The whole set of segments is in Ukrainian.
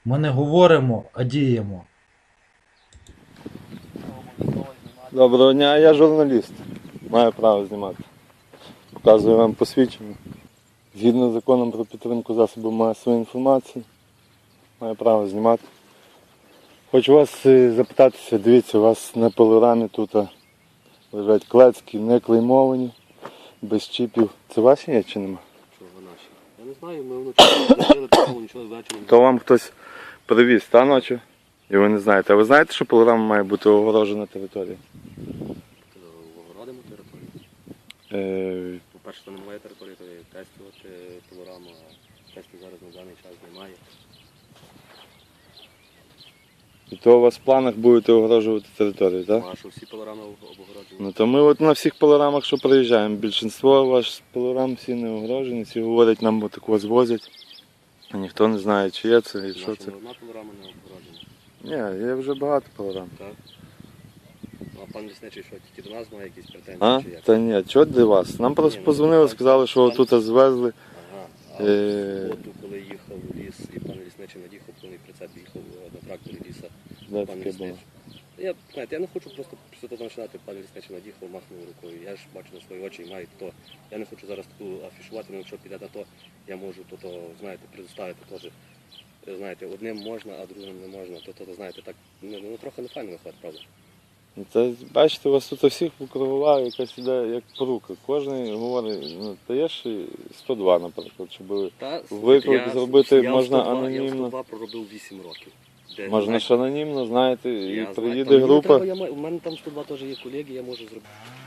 Ми не говоримо, а діємо. Доброго дня, я журналіст. Маю право знімати. Показую вам посвідчення. Згідно з законом про підтримку засобів масової інформації, маю право знімати. Хочу вас запитатися, дивіться, у вас на пилорамі тут лежать клецькі, не клеймовані, без чіпів. Це ваші є чи нема? Що наші? Я не знаю, ми вночі не робили такого, нічого ввечері. То вам хтось привіз, та ночі? І ви не знаєте. А ви знаєте, що пилорама має бути огорожена територія? Огородимо територію. По-перше, це немає території, то є тестувати пилораму, а тестів зараз на даний час немає. І то у вас в планах будете огорожувати територію, так? А що всі пилорами обгороджені? Ну то ми от на всіх пилорамах, що приїжджаємо, більшинство ваших пилорам всі не огорожені, всі говорять, нам отако звозять. А ніхто не знає, чи є це і що це. Одна пилорама не обгороджена. Ні, є вже багато пилорам. Так. А пан лісничий що, тільки до нас має якісь претензії А? чи як? Та ні, чого для вас? Нам просто Ні, ну, позвонили, сказали, що пан- отут звезли. Ага. А Е. в суботу, коли їхав у ліс, і пан лісничий над'їхав, повний прицеп їхав на тракторі ліса. Де Пан таке було? лісничий. Я не хочу просто після того починати, пан лісничий над'їхав, махнув рукою. Я ж бачу на свої очі і маю то. Я не хочу зараз таку афішувати, але якщо піде на то, я можу то знаєте, предоставити теж. Знаєте, одним можна, а другим не можна. То знаєте, так, ну трохи не файно виходить, правда. Ну, це, бачите, у вас тут всіх кругова якась іде як порука. Кожен говорить, ну, даєш 102, наприклад, щоб виклик зробити можна Я в анонімно. 102 проробив 8 років. Можна ж анонімно, знаєте, і Я приїде знаю, група. у мене там 102 теж є колеги, я можу зробити.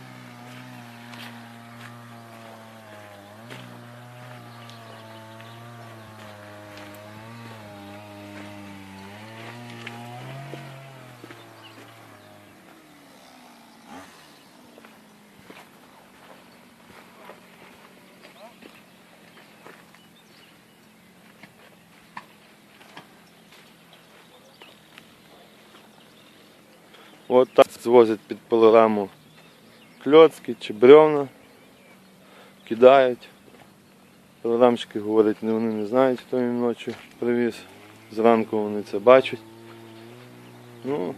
От так звозять під пилораму кльоцки чи бревна, кидають. Пилорамщики говорять, вони не знають, хто їм ночі привіз. Зранку вони це бачать. Ну,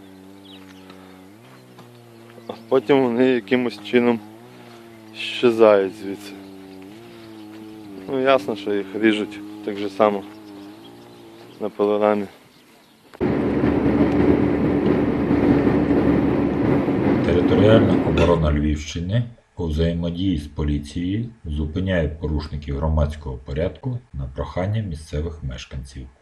а потім вони якимось чином щезають звідси. Ну ясно, що їх ріжуть так же само на пилорамі. Територіальна оборона Львівщини у взаємодії з поліцією зупиняє порушників громадського порядку на прохання місцевих мешканців.